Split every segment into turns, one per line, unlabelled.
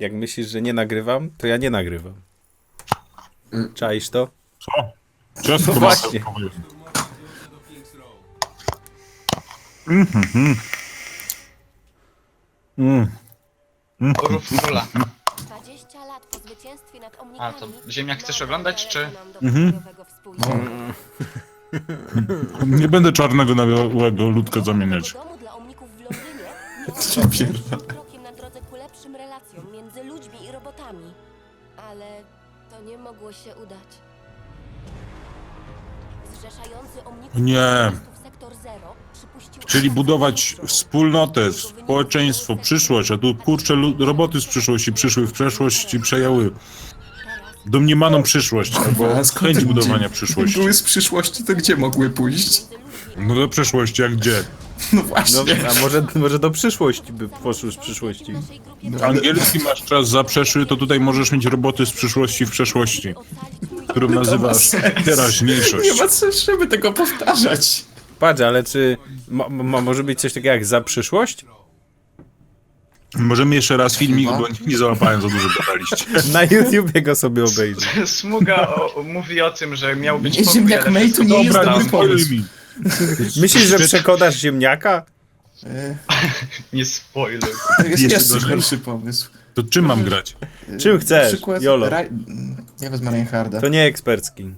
Jak myślisz, że nie nagrywam, to ja nie nagrywam. Czaisz to?
Co? Ciastko
właśnie.
masełkowe jest.
Rufula.
20 lat po zwycięstwie nad
A,
omnikami.
to Ziemniak chcesz oglądać, czy?
Nie będę czarnego na białego ludka zamieniać.
Domu dla omników w Londynie miał
Co
być
pierdolę.
pierwszym krokiem na drodze ku lepszym relacjom między ludźmi i robotami. Ale to nie mogło się udać. Zrzeszający omników
Nie.
sektor Zero przypuścił
Czyli
atak
budować
terrorystów.
wspólnotę, społeczeństwo, przyszłość, a tu kurczę roboty z przyszłości przyszły w przeszłość i przejęły domniemaną przyszłość, albo
A skąd
chęć
te
budowania
ludzie
przyszłości.
Były z przyszłości, to gdzie mogły pójść?
No do przeszłości, jak gdzie?
No
No,
właśnie.
a może do przyszłości by poszły z przyszłości.
Angielski masz czas zaprzeszły, to tutaj możesz mieć roboty z przyszłości w przeszłości, którą nazywasz
sens.
teraźniejszość.
Nie ma sensu, żeby tego powtarzać.
Patrz, ale czy może być coś takiego jak za przyszłość?
Możemy jeszcze raz filmik, bo nie załapałem, za dużo gadaliście.
Na YouTubie go sobie obejrzę.
Smuga mówi o tym, że miał być
Nie,
pokój,
Ziemniak
ale
May to
wszystko
nie jest
zostało.
dobry pomysł.
mi.
Myślisz, że przekonasz ziemniaka?
Nie spoiler.
To jest
Jeszcze
jeszcze
gorzej.
gorszy pomysł.
To czym mam grać?
Czym
Na
chcesz?
przykład
Jolo.
Ja wezmę Reinharda.
To nie ekspercki.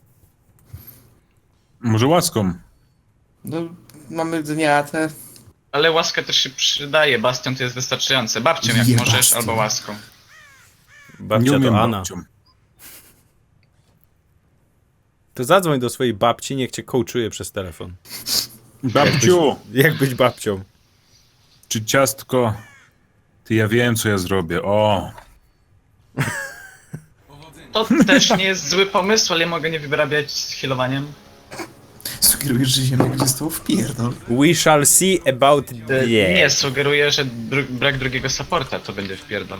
Może łaską?
No, mamy dniatę.
Ale łaskę też się przydaje, bastion to jest wystarczające. Babcią jak
Je
możesz,
bastion.
albo łaską.
Nie
Babcia
umiem
to Anna.
babcią.
To zadzwoń do swojej babci, niech cię coachuje przez telefon.
Babciu,
Jak być babcią?
czy ciastko? Ty, ja wiem, co ja zrobię. O,
To też nie jest zły pomysł, ale ja mogę nie wyrabiać z healowaniem.
Sugerujesz, że Ziemniak będzie z tobą wpierdol.
We shall see about
Nie,
yeah.
sugeruję, że brak drugiego supporta to będzie wpierdol.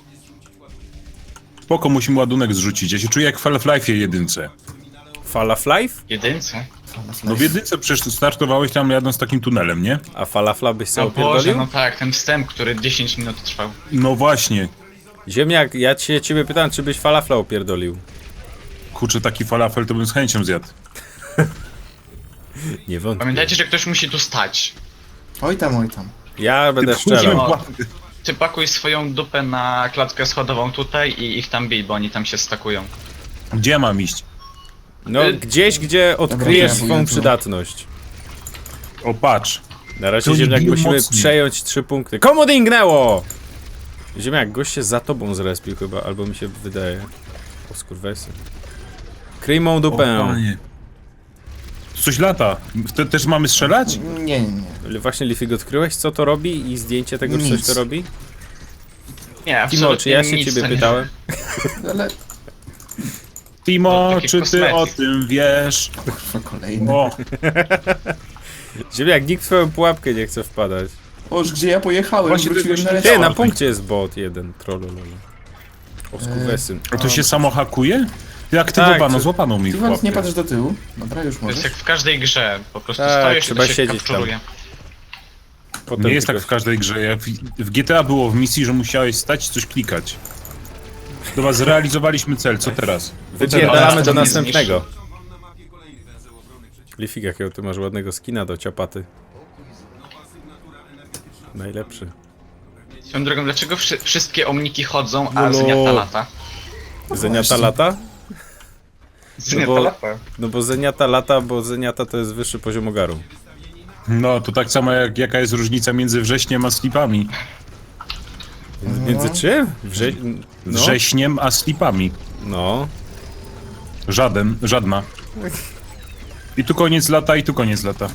spoko, musimy ładunek zrzucić. Ja się czuję jak w Half-Life'ie jedynce.
Fall of Life?
Jedynce?
No w jedynce przecież startowałeś tam jadąc takim tunelem, nie?
A falafla byś sobie
O Boże,
opierdolił?
no tak, ten wstęp, który 10 minut trwał.
No właśnie.
Ziemniak, ja ciebie pytam, czy byś falafla opierdolił.
Kurczę, taki falafel to bym z chęcią zjadł.
Nie wątpię.
Pamiętajcie, że ktoś musi tu stać.
Oj tam, oj tam.
Ja będę
Ty
strzelał.
O, Ty pakuj swoją dupę na klatkę schodową tutaj i ich tam bij, bo oni tam się stakują.
Gdzie ja mam iść?
No, gdzieś, gdzie odkryjesz
Dobra,
swą
ja
przydatność.
O, patrz.
Na razie,
To
Ziemniak,
biją
musimy
mocniej.
przejąć 3 punkty. Komu dingnęło? Ziemniak, gość się za tobą zrespił chyba, albo mi się wydaje. O skurwesy. Kryj mą
O,
dupę.
panie. Tu coś lata. Też mamy strzelać?
Nie.
Właśnie, Leafy, odkryłeś, co to robi i zdjęcie tego, czy coś
Nic.
to robi?
Nie,
Timo,
absolutnie
czy ja się
nic
ciebie
to nie-
pytałem?
Ale...
Timo,
To taki
czy ty
kosmetyk.
o tym wiesz?
Kurwa, kolejny.
O,
Ziemniak, nikt w twoją pułapkę nie chce wpadać.
Oż, gdzie ja pojechałem,
Właśnie
wróciłem
tego
na
się
Ty,
lecie.
na punkcie jest bot jeden, trollololo. O skurwesy.
a to się samo hakuje? Ty aktywowano,
Tak,
złapano mi
Ty
w
Wans, nie
pułapkę.
patrz do tyłu. Dobra, już
To jest
możesz.
jak w każdej grze, po prostu
Tak,
stoisz i
trzeba
to się
siedzieć
kapturuje.
Potem
Nie jest tak
tylko-
w każdej grze. W GTA było w misji, że musiałeś stać i coś klikać. Dobra, zrealizowaliśmy cel, co teraz?
Wypierdalamy do
to mnie
następnego. Leafy, jakiego ty masz ładnego skina do ciapaty. Najlepszy.
Swoją drogą, dlaczego wszystkie omniki chodzą, a
Jolo.
Zeniata lata?
Zeniata lata?
Zeniata
bo-
lata.
No bo Zeniata lata, bo Zeniata to jest wyższy poziom ogaru.
No, to tak samo jak jaka jest różnica między wrześniem a slipami.
Między czym? No.
Wrześniem a slipami.
No.
Żadna. I tu koniec lata, i tu koniec lata.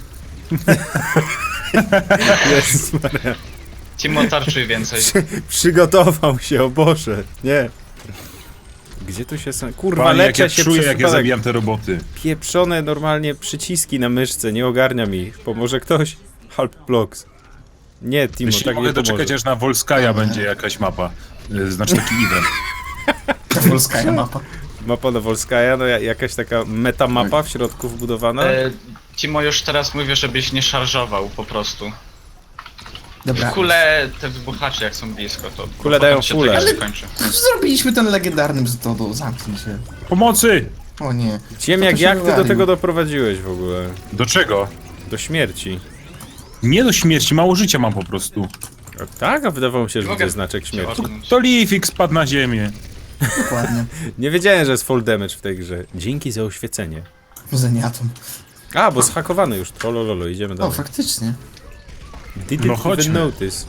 Jezus Maria.
Timo, tarczuj więcej.
Przygotował się, o Boże. Nie. Gdzie tu się są? Kurwa,
Panie, jak
leczę
ja
się
czuję,
przez
jak ja
przypadek.
zabijam te roboty.
Pieprzone normalnie przyciski na myszce, nie ogarnia mi. Pomoże ktoś? Halp blocks. Nie, Timo,
Jeśli
tak
mogę
nie
doczekać,
pomoże.
aż na Volskaja będzie jakaś mapa. Znaczy taki event.
Polska mapa.
Mapa Nowolskaja, no jakaś taka metamapa w środku wbudowana.
Timo, już teraz mówię, żebyś nie szarżował po prostu.
Dobra.
Kule, te wybuchacze jak są blisko, to
Kule
potem
dają
się
fulę.
tego nie
Ale-
kończy.
Zrobiliśmy ten legendarny bzdodo, zamknij się.
Pomocy!
O nie.
Ziemniak,
Kto to się
jak ty do
wywalił?
tego doprowadziłeś w ogóle?
Do czego?
Do śmierci.
Nie do śmierci, mało życia mam po prostu.
A tak? A wydawało mi się, że
Mogę
widzę znaczek
cię
śmierci.
odmówić.
To Leafik spadł na ziemię.
Dokładnie.
Nie wiedziałem, że jest full damage w tej grze. Dzięki za oświecenie.
Zeniatom.
A, bo zhakowany już. Trolololo, idziemy
O,
dalej.
faktycznie.
Didn't
No
even
chodźmy.
notice.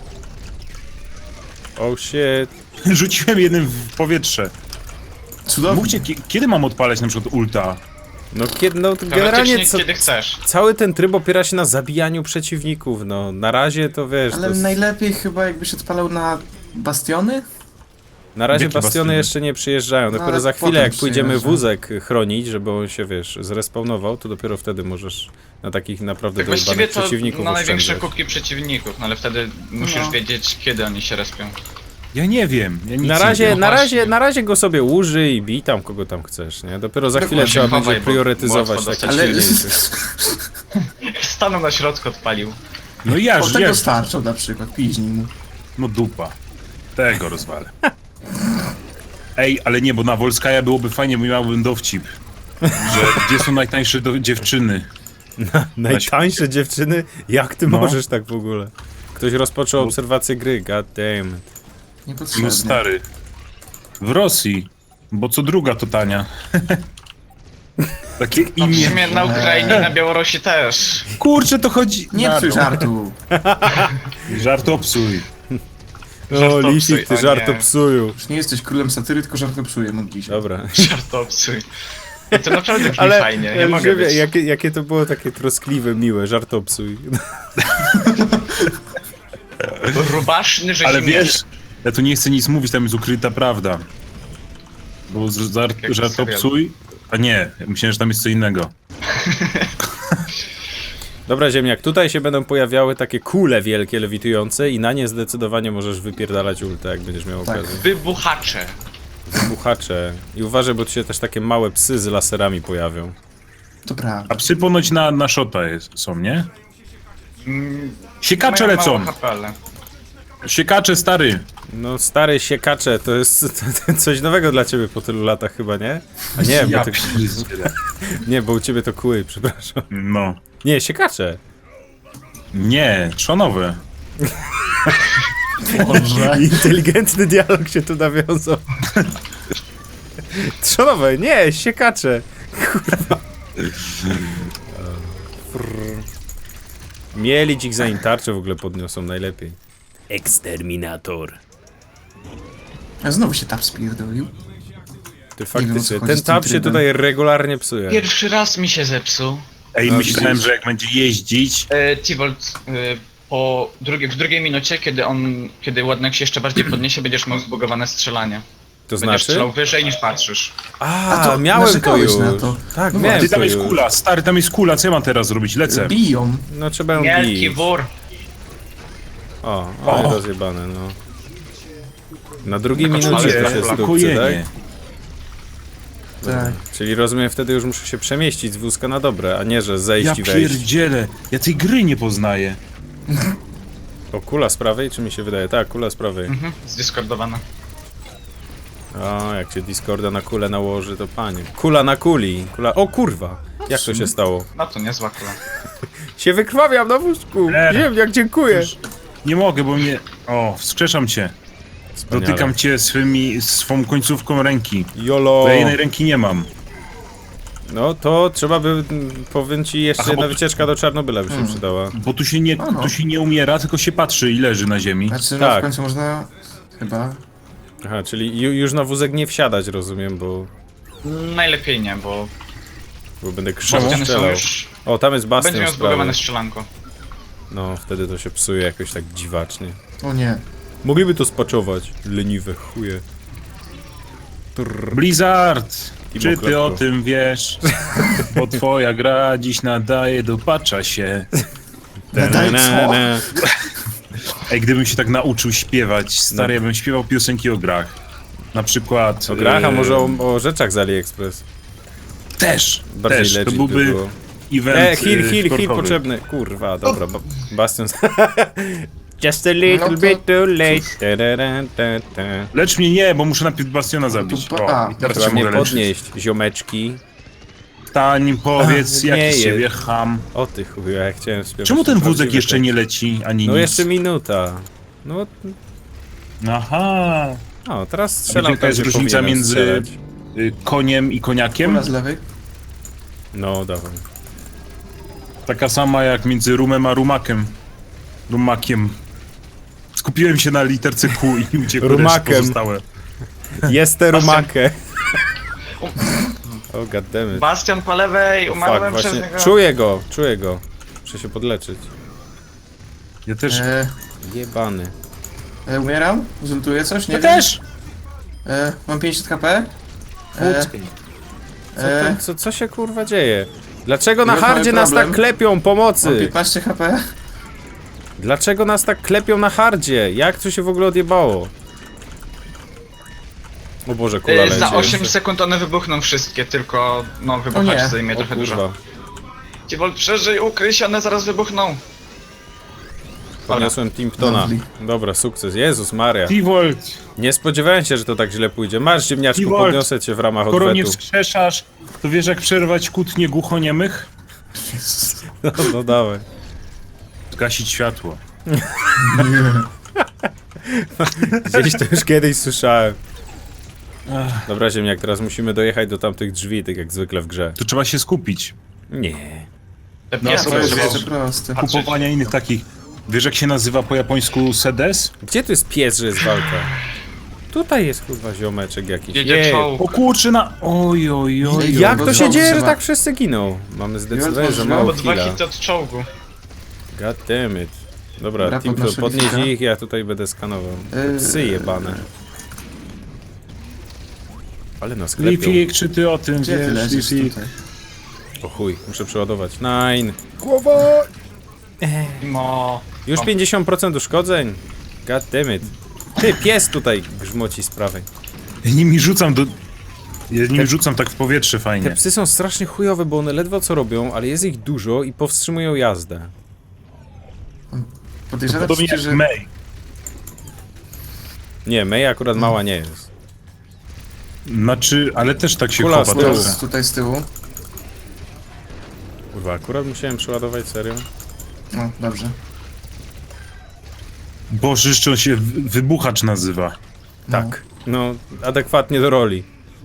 Oh shit.
Rzuciłem jednym w powietrze.
Cudownie.
Mówcie, kiedy mam odpalać na przykład ulta?
No, kiedy, no generalnie
Teoretycznie kiedy chcesz.
cały ten tryb opiera się na zabijaniu przeciwników, no. Na razie to wiesz,
Ale
to
najlepiej chyba jakbyś odpalał na bastiony?
na razie
Jakie
bastiony
bastiony?
jeszcze nie przyjeżdżają. Dopiero
ale
za chwilę,
potem
jak pójdziemy
przyjeżdża.
wózek chronić, żeby on się, wiesz, zrespawnował, to dopiero wtedy możesz na takich naprawdę
Tak właściwie
dojebanych
to
przeciwników
na największe
oszczędzać.
kubki przeciwników, no ale wtedy musisz
No.
wiedzieć, kiedy oni się respią.
Ja nie wiem. Ja nic
Na
nie
razie,
wiem.
na razie go sobie użyj i bij tam kogo tam chcesz, nie? Dopiero za chwilę
Dokładnie,
trzeba
chowaj,
będzie
bo
priorytetyzować
łatwo
takie
dostać.
Ale
silniejszych.
Stanął na środku, odpalił.
No ja
od tego
wiem.
starczą na przykład, piźnij mu.
No dupa. Tego rozwalę. Ej, ale nie, bo na Wolskaja byłoby fajnie, bo miałbym dowcip. Że gdzie są najtańsze dziewczyny?
Najtańsze dziewczyny? Jak ty
No.
możesz tak w ogóle? Ktoś rozpoczął obserwację gry, god damn.
Niepotrzebnie.
No stary. W Rosji. Bo co druga to tania. Takie
No w
imię.
sumie na Ukrainie i na Białorusi też.
Kurczę, to chodzi.
Nie
na
psuj
to.
żartu.
Żartopsuj.
O,
Żartopsuj,
Lisik, ty
o nie.
żartopsuju.
Już nie jesteś królem satyry, tylko żartopsuję, modli się.
Dobra.
Żartopsuj. I to naprawdę brzmi
Ale
fajnie, nie mogę być.
jakie to było takie troskliwe, miłe, żartopsuj.
Rubaszny, że
Ale
się nie-
wiesz, ja tu nie chcę nic mówić, tam jest ukryta prawda. Bo
Jak w
żartopsuj. A nie, myślałem, że tam jest co innego.
Dobra, ziemniak, tutaj się będą pojawiały takie kule wielkie, lewitujące i na nie zdecydowanie możesz wypierdalać ultę, jak będziesz miał
Tak.
okazję.
Wybuchacze.
Wybuchacze. I uważaj, bo tu się też takie małe psy z laserami pojawią.
To prawda.
A psy ponoć na szota są, nie? Siekacze
Mają
lecą!
mało HP, ale-
Siekacze, stary!
No, stary siekacze, to jest coś nowego dla ciebie po tylu latach chyba, nie? A nie, bo
Ja
ty,
pierdzielę.
nie, bo u ciebie to kły, przepraszam.
No.
Nie, siekacze.
Nie, trzonowe.
Boże.
Inteligentny dialog się tu nawiązał. Trzonowe, nie, siekacze. Kurwa. Mielić ich zanim tarczę w ogóle podniosą najlepiej. Eksterminator.
A znowu się tam spierdolił.
Ty
wiem, o co
faktycznie,
chodzi
ten
z tym
tab się
trybem.
tutaj regularnie psuje.
Pierwszy raz mi się zepsuł.
Ej,
No,
myślałem,
widzisz.
że jak będzie jeździć...
Tivolt, w drugiej minucie, kiedy ładunek się jeszcze bardziej podniesie, będziesz miał zbugowane strzelanie.
To
Będziesz
znaczy?
strzelał wyżej niż patrzysz.
A,
to
miałem to
narzekałeś
już.
na to.
Tak,
No
miałem
Ty,
to
tam jest
już.
kula, stary, tam jest kula, co ja mam teraz zrobić? Lecę.
Biją.
No trzeba ją
Wielki
bić.
wór.
O,
O.
rozjebane, no. Na drugiej
Tylko
minucie
czwarty
to się zdupcy,
Blokujenie.
tak?
Tak.
Czyli rozumiem, wtedy już muszę się przemieścić z wózka na dobre, a nie, że zejść
Ja
i wejść.
pierdzielę, ja tej gry nie poznaję.
O, kula z prawej, czy mi się wydaje? Tak, kula z prawej.
Zdiskordowana.
O, jak się Discorda na kulę nałoży, to panie. Kula na kuli. Kula... O kurwa! Jak to się stało?
No to niezła kula.
Się wykrwawiam na wózku! Ziemniak, dziękuję!
Nie mogę, bo mnie... O, wskrzeszam cię.
Wspaniale.
Dotykam cię swą końcówką ręki.
Jolo!
Bo ja jednej ręki nie mam.
No to trzeba by, powiem ci, jeszcze
Aha,
jedna
bo-
wycieczka do Czarnobyla by się przydała.
Bo tu
no.
się nie umiera, tylko się patrzy i leży na ziemi.
Znaczy, no
Tak.
w końcu można chyba...
Aha, czyli już na wózek nie wsiadać, rozumiem, bo
Najlepiej nie, bo
będę krzywą
bastiony są
strzelał.
już...
O, tam jest
Będzie
bastion
miał
w sprawie.
zbugowane strzelanko.
No, wtedy to się psuje jakoś tak dziwacznie.
O nie.
Mogliby to spaczować, leniwe chuje.
Blizzard!
Timo
Czy ty
Klatko.
o tym wiesz? Bo twoja gra dziś nadaje do patcha się.
Daj co?
Ej, gdybym się tak nauczył śpiewać, stary, ja bym śpiewał piosenki o grach. Na przykład...
O grach, a może o rzeczach z AliExpress.
Też!
Bardziej
też, to
legit
byłby
by było.
event
Heal
sportowy.
potrzebny. Kurwa, dobra, Bastion... Just a little
No to
bit too late. Ta.
Lecz mnie nie, bo muszę najpierw Bastiona zabić.
tu-
O, i teraz
Trzeba
się
mnie
mogę leczyć.
podnieść, ziomeczki.
Tanim powiedz,
nie
jaki
jest.
z ciebie ham.
O ty chuju, ja chciałem śpiewać.
Czemu ten wózek
prawdziwy
jeszcze
tekst.
nie leci, ani
No
nic?
jeszcze minuta. No,
Aha.
o, teraz
A
strzelam
wiecie, jaka jest
gdzie
różnica
powinienem
między
strzelać.
koniem i koniakiem?
Kula z lewej.
No, dawaj.
Taka sama jak między rumem a rumakiem. Rumakiem. Skupiłem się na literce Q i uciekło
Rumakiem.
pozostałe.
Jestem rumakę. O, goddammit.
Bastion po lewej,
Fuck,
umarłem przez
właśnie.
niego.
Czuję go. Muszę się podleczyć.
Ja też.
Jebany.
Umieram? Zultuję coś? Nie
Ja
wiem.
też!
Mam 50 HP.
Co się kurwa dzieje? Dlaczego na
Już mamy
hardzie nas
problem.
tak klepią?
Mam
Pomocy!
15 HP.
Dlaczego nas tak klepią na hardzie? Jak to się w ogóle odjebało? O Boże, kula leci.
Za 8
jeszcze.
sekund one wybuchną wszystkie, tylko no wybuchać
nie.
zajmie
O
trochę dużo.
kurwa.
Dziewol, przeżyj, ukryj się, one zaraz wybuchną.
Poniosłem Timptona.
Lovely.
Dobra, sukces. Jezus Maria.
T-Volt!
Nie spodziewałem się, że to tak źle pójdzie. Masz, ziemniaczku,
T-Volt.
podniosę cię w ramach
Skoro nie
odwetu.
wskrzeszasz, to wiesz jak przerwać kłótnie głuchoniemych?
No dawaj.
Zgasić światło.
Gdzieś to już kiedyś słyszałem. Dobra, ziemniak, teraz musimy dojechać do tamtych drzwi, tak jak zwykle w grze.
Tu trzeba się skupić.
Nie.
Te
No,
piesy
To jest
będą-
jeszcze proste.
Kupowania innych takich. Wiesz jak się nazywa po japońsku sedes?
Gdzie tu jest pies, że jest walka? Tutaj jest kurwa ziomeczek jakiś.
Jedzie
Jej.
czołg.
O kurczy na... Oj, oj, oj.
Jak
bo
to się
czołg
dzieje, że
trzeba.
tak wszyscy giną? Mamy zdecydowanie za
Już
mało
Bo 2
killa.
hity od czołgu.
God damn it. Dobra,
Dobra,
Timto,
podnoszę
podnieś
lifika.
ich, ja tutaj będę skanował. Psy jebane. Ale nas klepią.
Lifik, czy ty o tym
Gdzie ty
wiesz,
leżysz
Lifik?
tutaj?
O chuj, muszę przeładować. Nine.
Mimo...
Już 50% uszkodzeń. God damn it. Ty, pies tutaj grzmoci z prawej.
Ja nimi rzucam do... Ja nimi rzucam tak w powietrze
Te
fajnie.
psy są strasznie chujowe, bo one ledwo co robią, ale jest ich dużo i powstrzymują jazdę.
Podejrzewam
Podobnie
ci,
jak
że...
May.
Nie, May akurat mała nie jest.
Znaczy, ale też tak się
Kula z
chowa
tyłu.
trochę.
Tutaj z tyłu.
Kurwa, akurat musiałem przeładować, serio?
No, dobrze.
Boże, jeszcze on się wybuchacz nazywa.
Tak. No, adekwatnie do roli.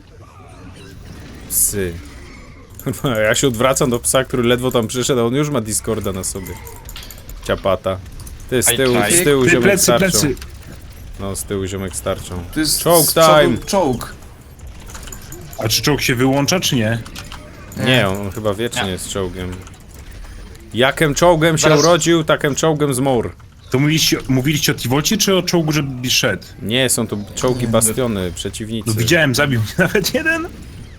Psy. Kurwa, ja się odwracam do psa, który ledwo tam przyszedł, a on już ma Discorda na sobie. Ciapata. Ty, z
Aj,
tyłu,
aj.
z tyłu
Ty,
ziomek
plecy,
starczą.
plecy.
No, z tyłu ziomek starczą.
Tu jest
Czołg
z przodu
time.
Czołg.
A czy czołg się wyłącza, czy nie?
Nie, on chyba wiecznie
Nie.
jest czołgiem. Jakem czołgiem się
Zaraz-
urodził, takem czołgiem zmór.
To mówiliście o T-Volcie, czy o czołgu, żeby szedł?
Nie, są to czołgi bastiony, przeciwnicy.
No widziałem, zabił mnie nawet jeden.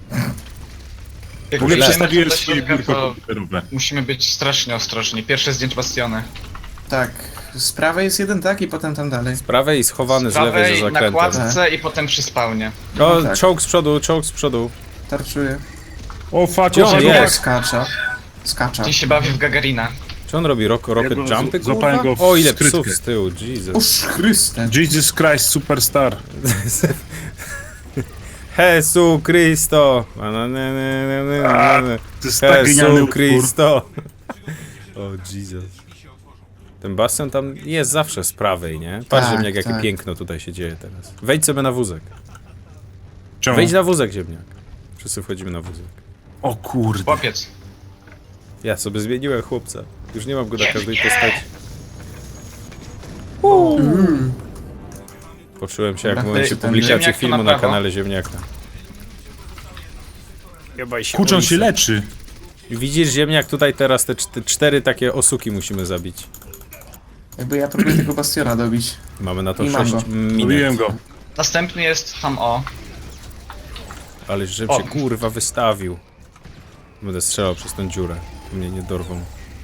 Jak
W ogóle
wejdziemy
przestawiłem
do
swoje
środka,
biurko
to
komputerowe.
musimy być strasznie ostrożni. Pierwsze zdjęcie bastiony.
Tak. Z prawej jest jeden, tak? I potem tam dalej.
Z prawej i schowany
Z
z lewej za
prawej, na
zakrętem.
kładce i potem przy spawnie.
O,
No tak.
czołg z przodu, czołg z przodu.
Tarczuję.
O fuck,
Gdzie on
o,
jest?
Skacza. Skacza.
Dziś się bawi w Gagarina.
Czy on robi rocket
go
jumpy,
złapałem
kurwa?
go w
O, ile
skrytkę.
psów z tyłu, Jesus.
Uż Chryste.
Jesus Christ, superstar.
Jesu Cristo!
To jest tak genialny
Jesu
utwór.
Cristo! O, Jesus. Ten basen tam jest zawsze z prawej, nie? Patrz,
Tak,
ziemniak, jakie
tak.
piękno tutaj się dzieje teraz. Wejdź sobie na wózek.
Czemu?
Wejdź na wózek, ziemniak. Wszyscy wchodzimy na wózek.
O kurde.
Chłopiec.
Ja sobie zmieniłem chłopca. Już nie mam go na każdej postaci. Poczułem się jak w
Dobra,
momencie
ten
publikacji
ziemniak to
filmu
na
na
prawo.
kanale Ziemniaka.
Kurczą się leczy.
Widzisz, ziemniak, tutaj teraz te cztery takie osuki musimy zabić.
Jakby ja próbuję tego bastiona dobić.
Mamy na to
I mam
6
go.
Mówiłem
minut.
go.
Następny jest Ham O.
Ale żebym
O.
się kurwa wystawił. Będę strzelał przez tę dziurę. Mnie nie dorwą.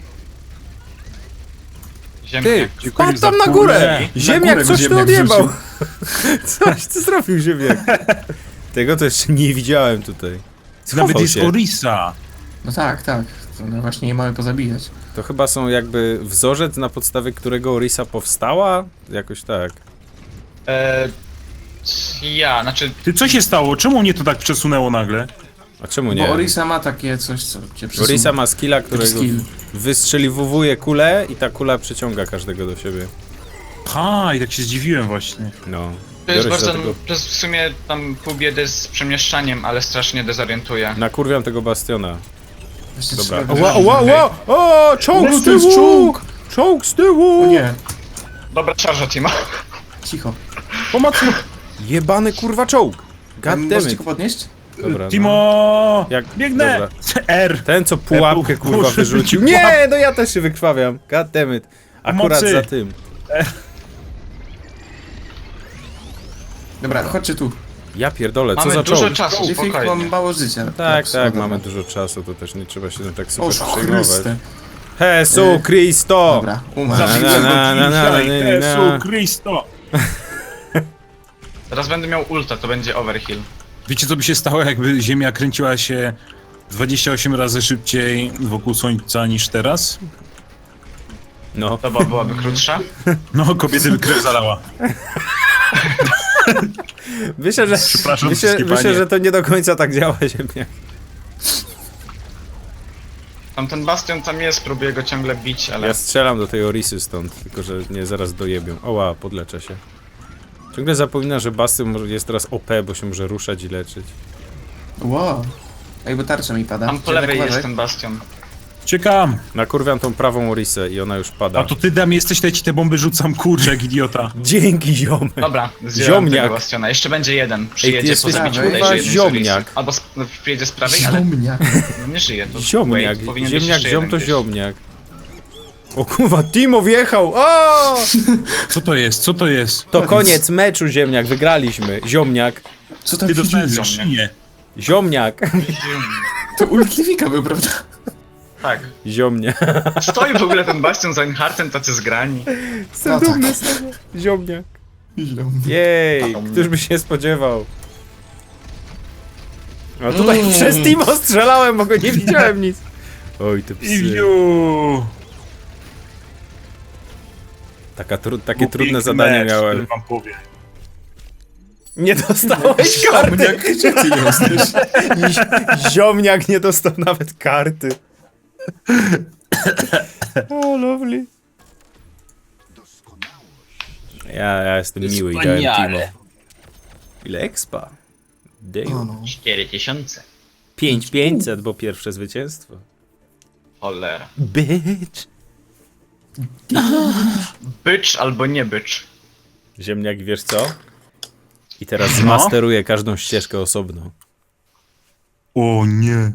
Ty!
Ziemniak.
Wpadł tam na
za
górę!
kulę.
Ziemniak,
górę
coś tu
ziemniak
odjebał! Coś ty zrobił, ziemniak? Tego to jeszcze nie widziałem tutaj.
Nawet
Schował
jest
się.
Orisa.
No tak, tak. No właśnie nie mamy pozabijać.
To chyba są jakby wzorzec, na podstawie którego Orisa powstała? Jakoś tak.
Znaczy,
Ty, co się stało? Czemu mnie to tak przesunęło nagle?
A czemu
Bo
nie?
Orisa ma takie coś, co cię przesuwa.
Orisa ma skilla, którego
skill.
wystrzeliwuje kulę i ta kula przyciąga każdego do siebie.
Ha, i tak się zdziwiłem właśnie.
No.
to jest
Biorę się
bardzo,
za tego.
to jest w sumie tam pół biedy z przemieszczaniem, ale strasznie dezorientuje.
Nakurwiam tego bastiona.
Właśnie
Dobra.
trzeba
Ła,
wyrzucić.
ła, ła! O, czołg
O,
z
to jest
tyłu!
czołg!
Czołg z tyłu!
O nie,
Dobra, szarża Timo.
cicho.
Pomocy!
Jebany kurwa czołg! God
Możecie
damn it.
go podnieść?
Dobra, no.
Timo!
Jak-
Biegnę!
dobra.
R!
Ten co pułapkę kurwa
Muszę
wyrzucił.
rzucić
Nie, no ja też się wykrwawiam. God damn it. Akurat
Pomocy.
za tym.
Dobra, chodźcie tu.
Ja pierdolę, co
Mamy
za
dużo
czołg?
czasu,
Liefik, mam
spokojnie.
mało życia.
Tak, tak,
dobra.
mamy dużo czasu, to też nie trzeba się tym tak
O
super przejmować.
Chryste.
Jezu Christo!
Dobra, umarł.
Na, na, na, na, na, na,
Jezu Chrysto!
Teraz będę miał ulta, to będzie overkill.
Wiecie co by się stało, jakby Ziemia kręciła się 28 razy szybciej wokół Słońca niż teraz?
No.
Doba byłaby krótsza.
No, kobiety by krew zalała.
Myślę, że,
Przepraszam wszystkie
myślę,
panie.
że to nie do końca tak działa, ziemniak.
Tam ten bastion tam jest, próbuję go ciągle bić, ale...
Ja strzelam do tej Orisy stąd, tylko że mnie zaraz dojebią. Oła, podleczę się. Ciągle zapomina, że Bastion jest teraz OP, bo się może ruszać i leczyć.
Wow. Ej, bo tarcza mi pada.
Tam po
Dziadek,
lewej jest
uważaj.
ten bastion.
Ciekam!
Nakurwiam tą prawą Orisę i ona już pada.
A to ty dam jesteś, to ja ci te bomby rzucam, kurczę, jak idiota.
Dzięki, ziomek!
Dobra, zdjąłem
Ziomniak.
tego bastiona. Jeszcze będzie jeden.
ty
Przyjedzie po
jesteś
zabiciu
prawy,
bodajże jednej z
ziomniak.
Orisy. Albo przyjedzie z prawej, ale
Ziomnia.
no nie żyje. To
Ziomniak,
wait, powinien być
ziemniak,
jeszcze
ziom
jeden
to
gdzieś.
ziomniak. O kurwa, Timo wjechał! O!
Co to jest? Co to jest?
To koniec meczu, ziemniak, wygraliśmy. Ziomniak,
Co tam
Ty
się
dostałem
dzieje?
za szyję.
ziomniak,
To ult Liefika był, prawda?
Tak.
ziomniak.
Stoi w ogóle ten bastion z Einhartem, tacy zgrani.
Jestem
No tak.
dumny z tego. Ziomniak.
Ziomnia.
Jej, któż by się spodziewał. No tutaj przez Timo strzelałem, bo go nie widziałem nic. Oj, te psy.
Iwiu!
Takie trudne
Piękny
zadania
mecz,
miałem.
który wam powiem.
Nie dostałeś karty!
Ziomniak, gdzie ty jesteś?
Ziomniak nie dostał nawet karty. O, lovely. Ja jestem miły i dałem Timo. Ile expa?
O,
Damn.
no.
4000.
5500, bo pierwsze zwycięstwo.
Cholera.
Bitch.
Bycz albo nie bycz.
Ziemniak, wiesz co? I teraz zmasteruję każdą ścieżkę osobno.
O nie.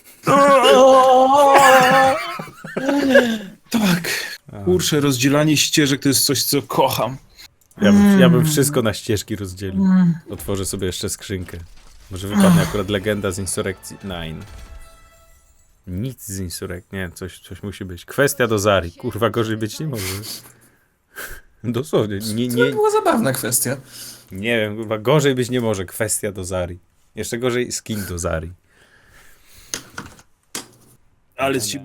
Tak. Kurczę, rozdzielanie ścieżek to jest coś, co kocham.
Ja bym wszystko na ścieżki rozdzielił. Otworzę sobie jeszcze skrzynkę. Może wypadnie akurat legenda z Insurrekcji 9. Nic z Insurrekcji. Nie, coś musi być. Kwestia do Zari. Kurwa, gorzej być nie może. Dosłownie.
To była zabawna kwestia.
Nie wiem, kurwa, gorzej być nie może. Kwestia do Zari. Jeszcze gorzej skin do Zari.
Ale z ciebie